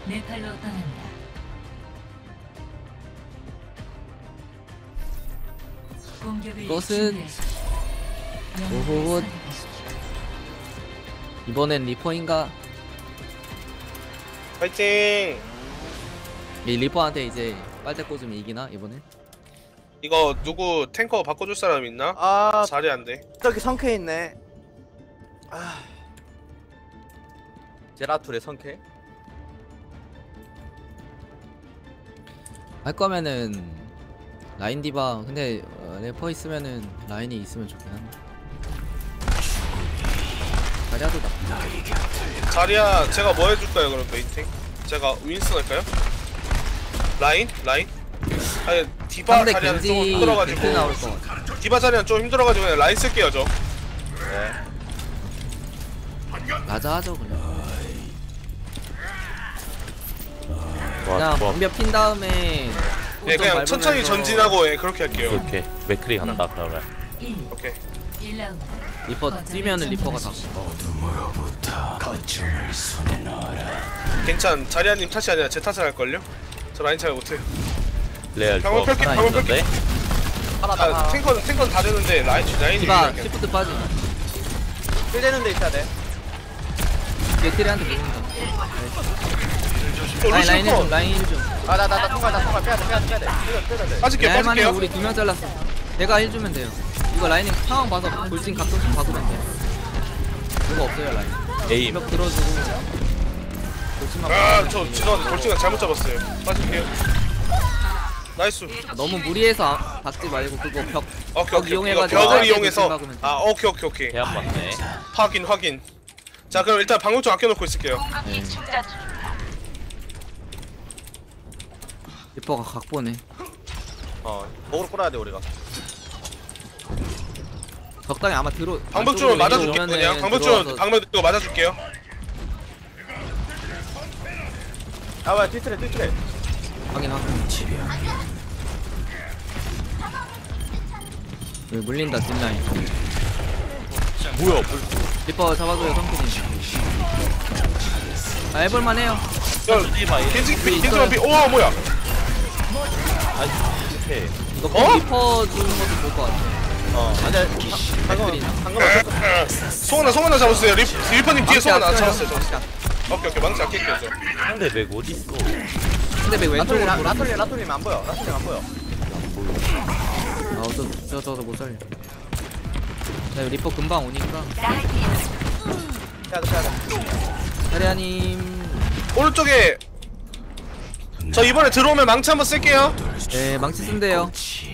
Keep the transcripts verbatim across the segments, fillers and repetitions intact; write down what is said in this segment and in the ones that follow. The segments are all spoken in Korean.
네팔로 떠납니다. 공격을 이것은 오호 이번엔 리퍼인가? 파이팅! 이 리퍼한테 이제 빨대 꽂으면 이기나 이번엔? 이거 누구 탱커 바꿔줄 사람 있나? 아 자리 안 돼. 저기 성캐 있네. 아 제라툴의 성캐? 할 거면은 라인 디바 근데 어, 래퍼 있으면은 라인이 있으면 좋긴 한데 자리아도 나 자리야 제가 뭐 해줄까요 그럼 메이팅? 제가 윈스턴 할까요? 라인? 라인? 아니 디바 상대 자리는 좀 겐지 힘들어가지고 겐지 나올 것 같아. 디바 자리는 좀 힘들어가지고 그냥 라인 쓸게요 저. 맞아 하죠 그냥 와, 그냥 와, 방벽 핀 다음에 예 그냥 천천히 밟으면서- 전진하고 예 그렇게 할게요. 이렇게 맥크리 간다 그러면. 오케이. 일 라운드. 리퍼 뛰면은 리퍼가 다 괜찮. 자리아님 탓이 아니라 제 탓을 할걸요? 저 라인 잘 못해요. 레알 방금 조합 펼게 하나 방금 펼게. 있는데. 아 탱커는 탱커는 다 되는데 라인 라인이 디바 유리하게. 시프트 빠지 킬 되는 데 있어야 돼. 뒤에 트레한테 밀린다 저 라인 루시오 라인 컷. 좀 라인 좀 아 나 나 나 통과 나 통과 빼야 돼 빼야 돼 빼야 돼. 빼야 돼 빼야 돼. 빠질게요 할만해 빠질게요. 우리 두 명 잘랐어 내가 해주면 돼요 이거 라인은 상황 봐서 돌진 각도 좀 박으면 돼 그거 없어요 라인 에임. 벽 들어주고 돌진만 아저 박으면 죄송한데 돌진가 잘못 잡았어요. 빠질게요. 나이스. 너무 무리해서 아- 박지 말고 그거 벽 오케이 벽 오케이. 이용해가지고 벽을 짧게 이용해서. 돌진 박으면 돼. 아 오케이 오케이 오케이. 대안 맞네. 확인 확인. 자 그럼 일단 방금 좀 아껴놓고 있을게요. 네. 리퍼가 각보네 어 목으로 끌어야 돼 우리가. 적당히 아마 들어 방벽 좀 맞아줄게요 오면은 그냥. 방벽 좀 들어와서- 방벽 이거 맞아줄게요. 아 뭐야 뒤트레 뒤트레. 확인 확인 여기 물린다 뒷라인 뭐야? 리퍼 잡아줘요 성균이 아 해볼만 해요 야 마 겐지 있어요. 겐지 겐지 오 뭐야? 이렇게. 이거 어? 리퍼 주는 것도 볼 것 같아 어 아니야 맥크리 방금 어쩔 송하나 송하나 잡았어요. 리 리퍼님 뒤에 송하나 망치 잡았어요. 아껴요. 잡았어요. 오케이 오케이 망치 아낄게요 저. 상대 맥 어디 있어? 근데 왜 라톨리 왼쪽으로 라- 돌아 라톨리 라톨리 안 보여. 라톨리 안 보여. 아저저 저 못 살려 자 이거 리퍼 금방 오니까 빼야 돼 빼야 돼. 사리아님 오른쪽에 저 이번에 들어오면 망치 한번 쓸게요. 네 망치 쓴대요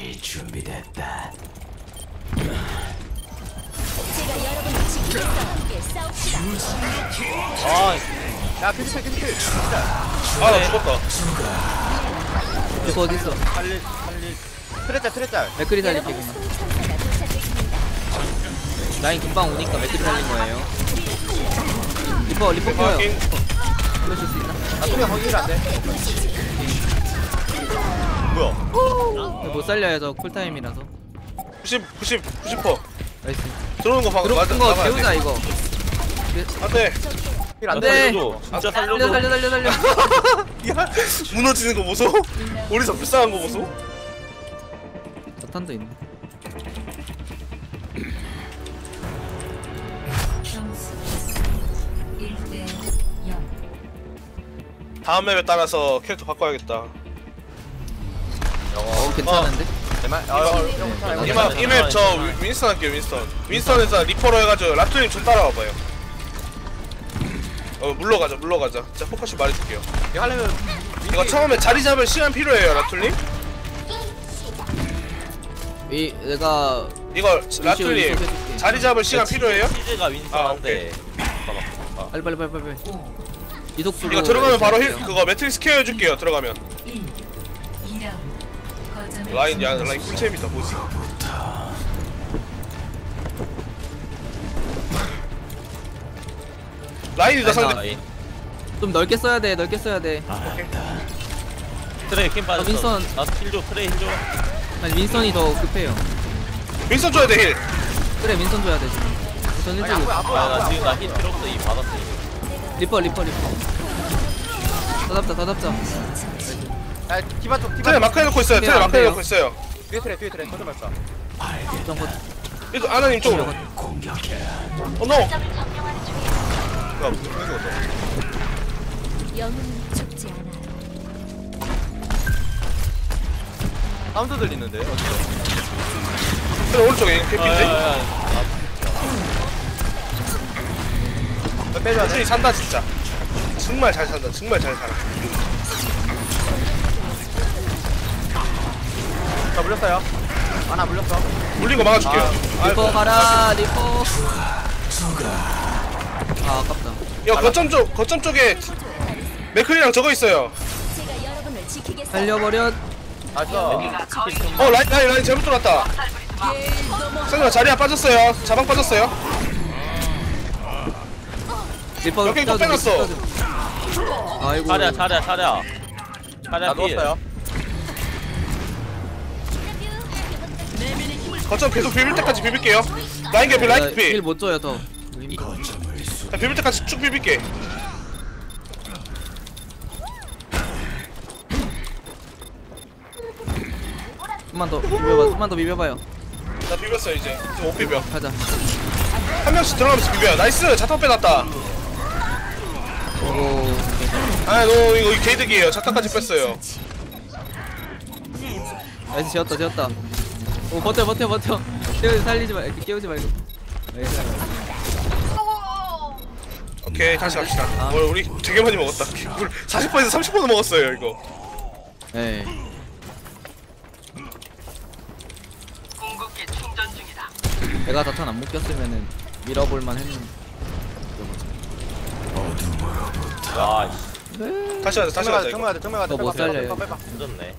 아, 야 캔슬 캔슬. 아 나 죽었다. 리퍼 어딨어 살릴 살릴. 트레짤 트레짤. 맥크리 살릴게 그냥 라인 금방 오니까 맥크리 살린 거예요 리퍼 리퍼 네, 켜요 확인. 보내줄 수 있나? 라톨리 거기 안 돼. 뭐야? 못 살려요 저 쿨타임이라서 구십 구십 구십 퍼 나이스 들어오는 거 방 맞아 들어온 거 나가야 재우자 돼. 이거 안돼. 힐안 돼. 돼. 살려줘. 진짜 살려 살려줘. 살려 살려 살려 야 무너지는 거 보소. 우리 저 불쌍한 거 보소. 자탄도 있네 점수 일 대 영. 다음 맵에 따라서 캐릭터 바꿔야겠다. 어 괜찮은데? 제발. 아, 괜찮아. 이맵 이맵 저 윈- 윈스턴 할게요 윈스턴. 윈스턴에서 리퍼로 해가지고 라투님 좀 따라와봐요. 어 물러가자 물러가자. 자 포커싱 말해줄게요. 이거 하려면 이거 처음에 자리 잡을 시간 필요해요 라툴님. 이 내가 이거 루시오 라툴님 해줄게. 자리 잡을 시간 필요해요? 치즈가 아, 윈스한데. 빨리 빨리 빨리 빨리 이속 수로 이거 들어가면 바로 힐 해줄게요. 그거 매트릭스 케어 해줄게요 들어가면. 일. 이 라운드. 거점을 라인 야 라인 꿀잼이다 보지. 라인이다 상대. 라인. 좀 넓게 써야 돼 넓게 써야 돼 트레이 킴 빠졌어. 윈스턴. 나 힐 줘. 트레이 힐 줘. 아니 윈선이 더 급해요 윈스턴 줘야 돼 힐. 그래 윈선 줘야 돼 지금 윈선 아니 안 일찍 보여 안 보여 아, 안 나 보여. 지금 나 힐 필요 없어. 이 받았어. 이거. 리퍼 리퍼 리퍼 더 잡자 더 잡자. 야 디바 쪽 디바 트레 마크 해놓고 있어요. 트레 안 마크 돼요. 해놓고 있어요. 뒤에 트레 뒤에 트레 거점 발사. 좀 거. 이거 아나님 쪽으로. 어 노. 야 무슨 소리 거죠? 영웅은 죽지 않아요. 사운드 들리는데 어디서? 트레 오른쪽에 아, 개피인데. 야, 야, 야. 빼줘야 돼. 트레이 산다 진짜. 정말 잘 산다. 정말 잘 살아. 자 물렸어요. 하나 물렸어. 물린 거 막아줄게요. 아, 리퍼 가라 리퍼. 아 아깝다. 야 거점 쪽 거점 쪽에 맥클이랑 저거 있어요. 제가 여러분을 지키겠어요. 살려버려. 나이스. 어 라인 라인 라인 잘못 들어왔다. 선생님 자리야 빠졌어요. 자방 빠졌어요. 리퍼 여기 또 껴줘, 빼놨어. 리퍼 껴줘. 아이고. 차려 차려 차려. 차려 나 필. 누웠어요. 거점 계속 비빌 때까지 비빌게요. 라인 개피 라인 개피. 힐못 줘요 더. 자, 비빌 때까지 쭉 비빌게. 좀만 더 비벼봐. 좀만 더 비벼봐요. 나 비볐어 이제. 이제 못 비벼. 가자. 한 명씩 들어가면서 비벼. 나이스. 자탄 빼놨다. 오. 아, 너 이거 개이득이에요. 자탄까지 뺐어요. 나이스 지었다 지었다. 오 버텨 버텨 버텨. 깨우지 살리지 말. 이렇게 깨우지 말고. 나이스. 오케이 다시 갑시다. 어, 우리 되게 많이 먹었다. 물 사십 번에서 삼십 번 먹었어요 이거. 네. 내가 자탄 안 묶였으면은 밀어볼만 했는데. 아, 씨. 다시 가자 다시 가자 이거. 정말 정말 가자. 너 못 살려요. 빼봐 빼봐. 힘들네.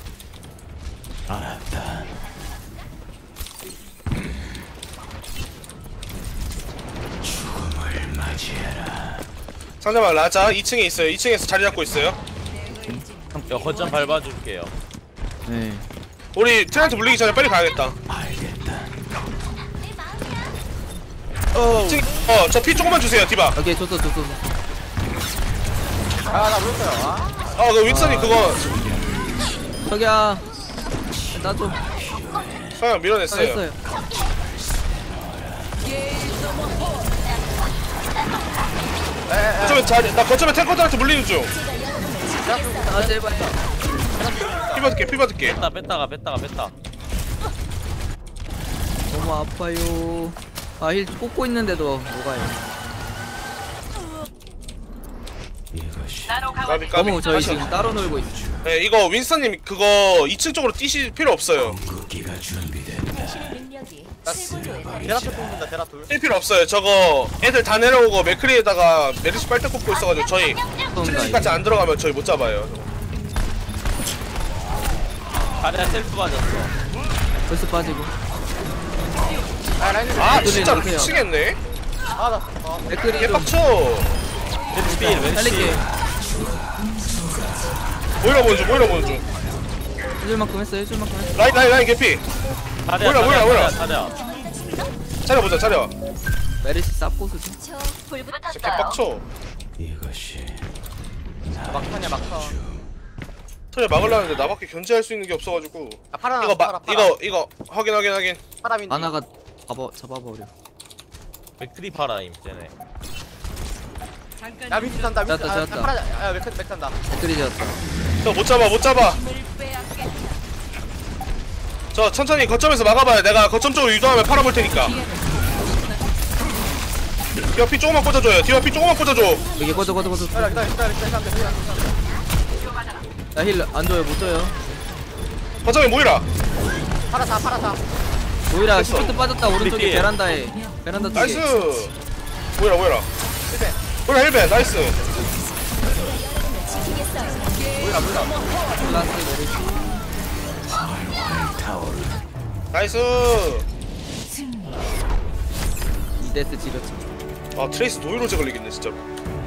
상대방 라자 이 층에 있어요. 이 층에서 자리 잡고 있어요. 야, 거점 밟아줄게요. 네. 우리 트렌트 물리기 전에 빨리 가야겠다. 어, 저 피 조금만 주세요, 디바. 오케이 줬어 줬어. 아나 물렸어요. 아. 어, 그 윈선이 그거 저기야. 나 좀. 그냥 밀어냈어요. 했어요. 거점에 자리, 나 거점에 탱커들한테 물리는 중. 아 제발. 피 받을게, 피 받을게. 뺐다 뺐다가 뺐다가 뺐다. 너무 아파요. 아 힐 꽂고 있는데도 뭐가요? 까비, 까비. 너무 저희 다시 지금 가. 따로 놀고 있어. 네, 이거 윈선님 그거 이 층 쪽으로 뛰실 필요 없어요. 능력이 최고조에 달해. 데라툴 뽑는다 데라툴. 뛸 필요 없어요. 저거 애들 다 내려오고 맥크리에다가 메르시 빨대 꽂고 있어가지고 저희 트레이까지 안 들어가면 저희 못 잡아요. 차려 셀프 맞았어. 벌써 빠지고. 아 라인. 아, 맥크리 진짜 넣으세요. 미치겠네. 아나. 아. 맥크리 좀 개빡쳐. 왼쪽 필 왼쪽 살릴게. 필. 모이라 보는 중, 모이라 보는 중. 해줄 만큼 했어 해줄 만큼 했어. 라인, 라인, 라인 개피. 차려 뭐야, 뭐야, 뭐야. 차려. 차려보자, 차려. 메리시 쌉고수지. 저 불붙었어요. 진짜 개빡쳐. 막판이야 막판. 트레 막으려는데 나밖에 견제할 수 있는 게 없어가지고. 아 파라 이거 파라 마, 파라. 이거, 이거 확인, 확인, 확인. 파라민. 아나가 잡아 잡아버려. 맥트리 파라임 쟤네. 야 민트 탄다. 민트. 짰다, 아, 짰다. 파라. 야 맥, 맥 탄다. 맥크리 지었다. 저 못 잡아, 못 잡아. 저 천천히 거점에서 막아봐요. 내가 거점 쪽으로 유도하면 팔아볼 테니까. 디바 피 조금만 꽂아줘요. 디바 피 조금만 꽂아줘. 여기 꺼져 꺼져 꺼져. 기다려 기다려 기다려 기다려 기다려. 나힐 안 줘요 못 줘요. 거점에 모이라. 파라 다 파라 다. 오히려 됐어. 시프트 빠졌다 오른쪽에 밑에. 베란다에. 베란다 쪽에. 나이스. 모이라, 모이라. 실패. 모이라 헬벤, 나이스. 몰라 몰라. 플라스 메리시. 나이스. 이데스 지렸지. 아, 트레이스 노이로제 걸리겠네, 진짜.